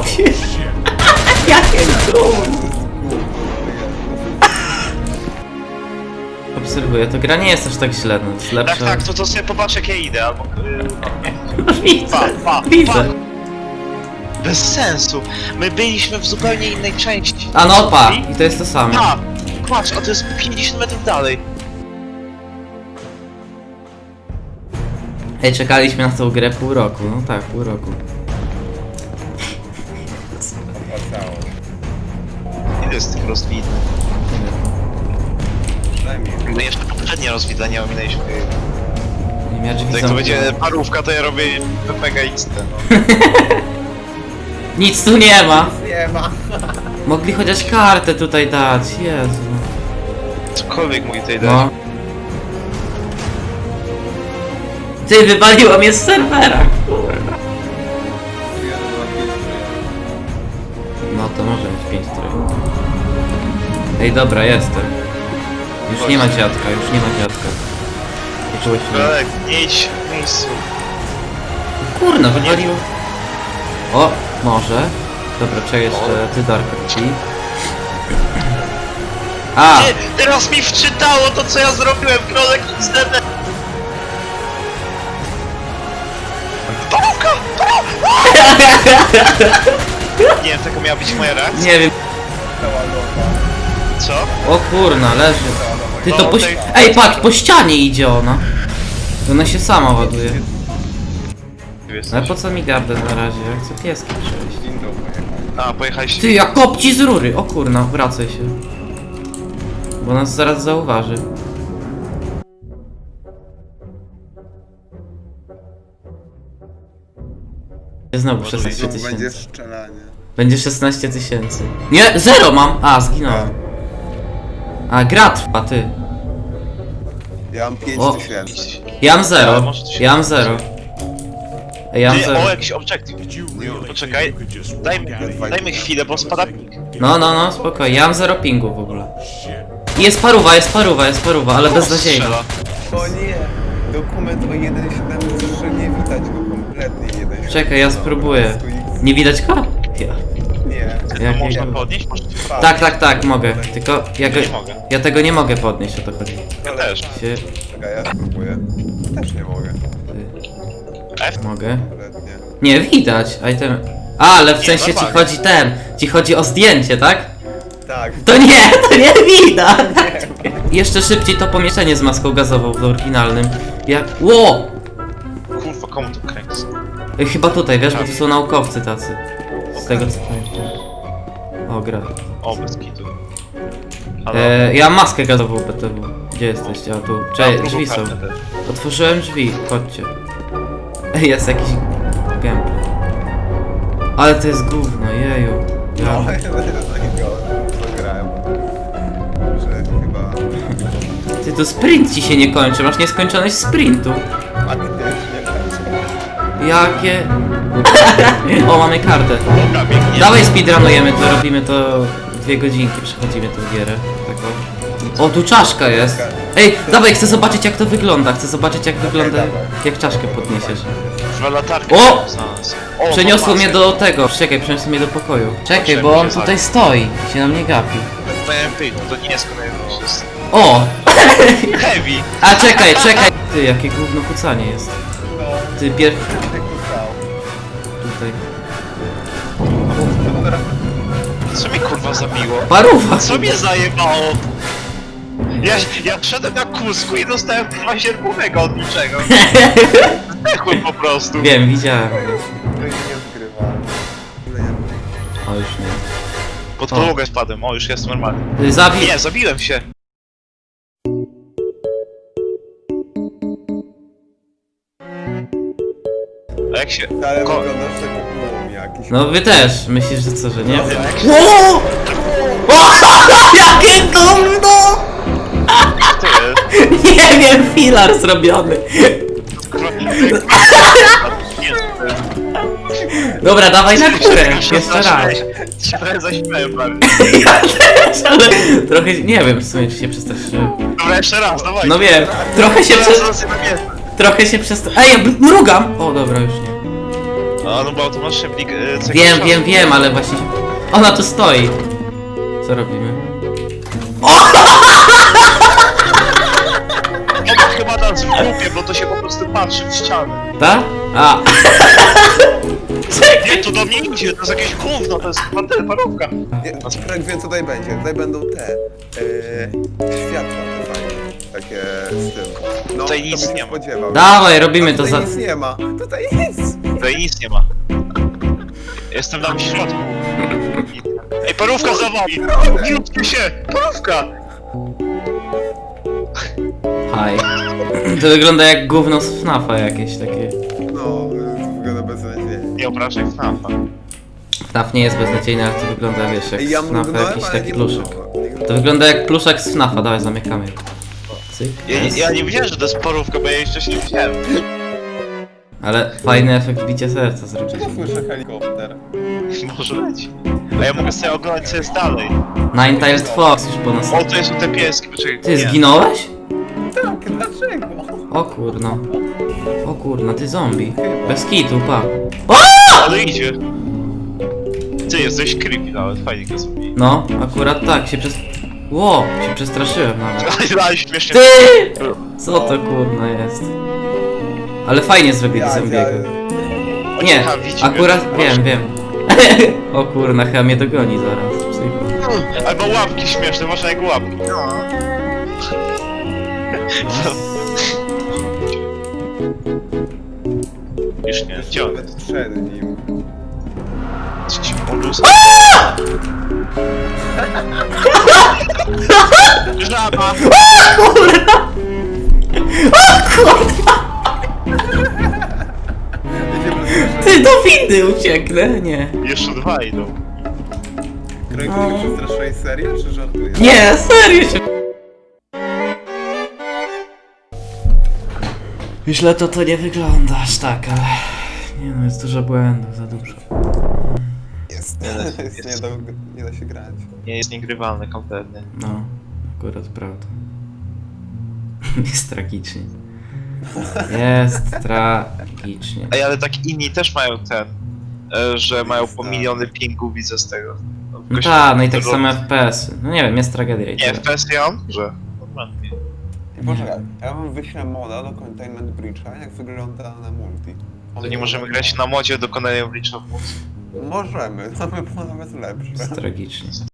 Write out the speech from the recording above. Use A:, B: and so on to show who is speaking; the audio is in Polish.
A: Jakie gówno. Obserwuję, to gra nie jest aż tak źle, no jest lepsza.
B: Tak, to sobie popatrz jak ja idę, albo...
A: Widzę,
B: Pa.
A: widzę.
B: Bez sensu. My byliśmy w zupełnie innej części.
A: A no pa, i to jest to samo.
B: Pa! Patrz, a to jest 50 metrów dalej.
A: Ej, czekaliśmy na tą grę pół roku, no tak, pół roku.
B: Ile jest tych rozwidleń? My jeszcze poprzednie rozwidlenia ominęliśmy.
A: Nie miałem drzwi
B: Jak to będzie parówka, to ja robię PPG XT, no.
A: Nic tu nie ma.
C: Nie ma.
A: Mogli chociaż kartę tutaj dać, Jezu.
B: Cokolwiek mój tutaj dać.
A: No. Ty, wywaliło mnie z serwera, kurwa. No to może być 5 trój. Ej, dobra, jestem. Już nie ma dziadka, już nie ma dziadka.
B: Belek, nie idź w miejscu.
A: Kurna, wywaliło. O, może. Dobra, czekaj jeszcze, ty Darka ci. A!
B: Nie, teraz mi wczytało to co ja zrobiłem, Krolek XD. Parówka! Nie wiem, taka miała być moja reakcja.
A: Nie wiem.
B: Co?
A: O kurna, leży. Ty to
B: No,
A: po...
B: tej-
A: Ej, patrz, po ścianie idzie ona. Ona się sama ładuje. Ale po co mi gardę na razie? Ja chcę pieski przejść.
B: A, pojechaliście.
A: Ty, jak kopci z rury! O kurna, wracaj się. Bo nas zaraz zauważy. Znowu 16
C: Będzie
A: tysięcy.
C: strzelanie.
A: Będzie 16 tysięcy. Nie, 0 mam! A, zginąłem. A, gra trwa, ty.
C: Ja mam
A: O.
C: 5000.
A: Ja mam
B: Ale
A: 0.
B: może to się-
A: Ja mam 0. Ej, ja mam
B: Ty,
A: 0.
B: o, jakiś objective. Poczekaj, dajmy chwilę, bo spada ping.
A: No, spokojnie. Ja mam 0 pingu w ogóle. Jest paruwa, ale beznadziejna.
B: Strzela.
C: O nie! Dokument o 1.7, że nie widać go kompletnie 1.7.
A: Czekaj, ja spróbuję. Nie widać go? Ja.
C: Nie.
B: To
A: Jak
B: można
A: nie-
B: podnieść? Można...
A: Tak, mogę. Tylko ja, go,
B: Nie mogę.
A: ja tego nie mogę podnieść, o to chodzi.
B: Ja też.
A: Się,
C: Czekaj, ja spróbuję. Też nie mogę.
B: F?
A: mogę.
C: Kompletnie.
A: Nie, widać. Item. A, ale w
B: Nie,
A: sensie ci
B: normalnie.
A: chodzi ci chodzi o zdjęcie, tak?
C: Tak.
A: To nie widać! Jeszcze szybciej to pomieszczenie z maską gazową w oryginalnym. Jak... Ło!
B: Kurwa, komu to kręci?
A: Chyba tutaj, wiesz, bo to są naukowcy tacy. Z tego co pamiętam. O, gra.
B: O, bez kitu. Halo?
A: Ja mam maskę gazową BTW. Gdzie jesteście? A tu.
B: Mam
A: Cześć,
B: drugą
A: drzwi są.
B: kartę też.
A: Otworzyłem drzwi, chodźcie. Ej, jest jakiś gameplay. Ale to jest gówno, jeju.
C: No,
A: Ja...
C: ja będę takiego zagrałem. Że chyba...
A: Ty, to sprint ci się nie kończy, masz nieskończoność sprintu.
C: Faktycznie tak.
A: Jakie... O, mamy kartę.
B: Dobra, biegnie.
A: Dawaj speedrunujemy to, robimy to 2 godzinki, przechodzimy tę gierę. Tak o, tu czaszka jest. Ej, dawaj, chcę zobaczyć jak to wygląda, jak czaszkę podniesiesz.
B: Chyba latarkę.
A: O!
B: znalazł. O,
A: Przeniosło
B: mam
A: mnie
B: maskę.
A: do tego, czekaj, przeniosło mnie do pokoju. Czekaj, bo on tutaj stoi, się na mnie gapi.
B: To nie jest kolejny, to jest...
A: O!
B: Heavy!
A: A czekaj. Ty, jakie gówno kucanie jest. Ty, tutaj.
B: Co mnie kurwa zabiło?
A: Paruwa!
B: Co mnie zajebało? Ja wszedłem na kusku i dostałem kurwa sierpowego od niczego. Zdechłem po prostu.
A: Wiem, widziałem.
C: To nie zgrywa.
A: O, już nie.
B: Pod podłogę spadłem, o już jest normalnie.
A: Ty, zabij...
B: Nie, zabiłem się. A jak się...
C: Ale
B: Ko-
C: wyglądasz tak jak głum jakiś.
A: No wy też, myślisz, że co, że nie?
B: Jak się...
A: O! O! Jakie gówno!
B: To jest?
A: Nie wiem, filar zrobiony.
B: Kurwa,
A: Dobra, dawaj na górę, jeszcze raz.
B: Trochę zaśmiałem prawie.
A: Ja też, ale trochę, nie wiem w sumie, czy się przestraszyłem.
B: Dobra, jeszcze raz, dawaj.
A: No wiem, trochę się
B: Teraz na miejsce.
A: Trochę się przestraszyłem. Ej, ja mrugam! O, dobra, już nie.
B: No bo automatycznie plik...
A: Wiem, ale właśnie... Ona tu stoi. Co robimy?
B: Ona chyba nas w grupie, bo to się po prostu patrzy w ścianę.
A: Ta? A.
B: Nie, to do mnie idzie, to jest jakieś gówno, to jest chyba parówka.
C: Nie, Frank wie co tutaj będzie. Tutaj będą te światła te fajne. Takie z tym. No,
B: Tutaj
C: to
B: nic
C: bym
B: nie ma.
C: spodziewał.
A: Dawaj, robimy to
C: Tutaj
A: za...
C: nic nie ma. Tutaj nic.
B: Tutaj nic nie ma. Jestem tam w środku. Ej, parówka za wami! Wróćcie się! Parówka!
A: Haj. To wygląda jak gówno z FNAF-a jakieś takie.
C: No, to wygląda beznadziejnie.
B: Nie obrażaj FNAF-a.
A: FNAF nie jest beznadziejny, ale to wygląda, wiesz, jak
C: Ej,
A: z
C: ja
A: FNAF-a
C: mrugnąłem,
A: jakiś
C: ale
A: taki
C: nie
A: pluszek.
C: mrugnąłem.
A: To wygląda jak pluszek z FNAF-a, dawaj zamykamy. Cyk.
B: Ja nie wiedziałem, że to jest parówka, bo ja jej wcześniej nie widziałem.
A: Ale fajny efekt bicia serca zrobić.
C: Ja słyszę helikopter.
B: Może być. A ja mogę sobie oglądać, co jest dalej.
A: Nine-Tailed Fox już po nas.
B: O, to są te pieski, poczekaj.
A: Ty
B: nie.
A: zginąłeś?
C: Tak, dlaczego?
A: O kurno. O kurno, ty zombie. Bez kitu, pa.
B: Ale idzie. Ty jesteś creepy nawet, fajnie go zrobili.
A: No, akurat tak, się przez... Ło, się przestraszyłem nawet.
B: Ale śmiesznie.
A: Ty! Co to kurno jest? Ale fajnie zrobili zombiego. Nie,
B: Aha, widzi
A: akurat
B: mnie.
A: wiem. O kurna, chyba mnie dogoni zaraz. Psycho.
B: Albo łapki śmieszne, można jak łapki. Już nie, gdzie on?
C: Nawet przed nim.
B: Coś polus. Żaba!
C: Idzie
A: Ty, do windy ucieknę, nie.
B: Jeszcze dwa idą.
C: Krojku, nie przestraszyłeś serio, czy żartujesz?
A: Nie, serio się... Źle to nie wygląda aż tak, ale... Nie no, jest dużo błędów, za dużo.
C: Jest. Nie da się grać.
B: Nie jest niegrywalny kompletnie.
A: No, akurat prawda. Jest tragicznie. Jest tragicznie.
B: Ej, ale tak inni też mają ten, że mają po miliony pingów, widzę z tego.
A: No tak, no i tak samo FPS-y. No nie wiem, jest tragedia i
B: Nie,
A: tyle.
B: FPS ja mam, że... Normalnie.
C: Poczekaj, ja wam wyślę moda do Containment Breacha, jak wygląda na multi.
B: To nie możemy grać na modzie do Containment Breacha w mocy.
C: Możemy, to by było nawet lepsze.
A: Jest tragicznie.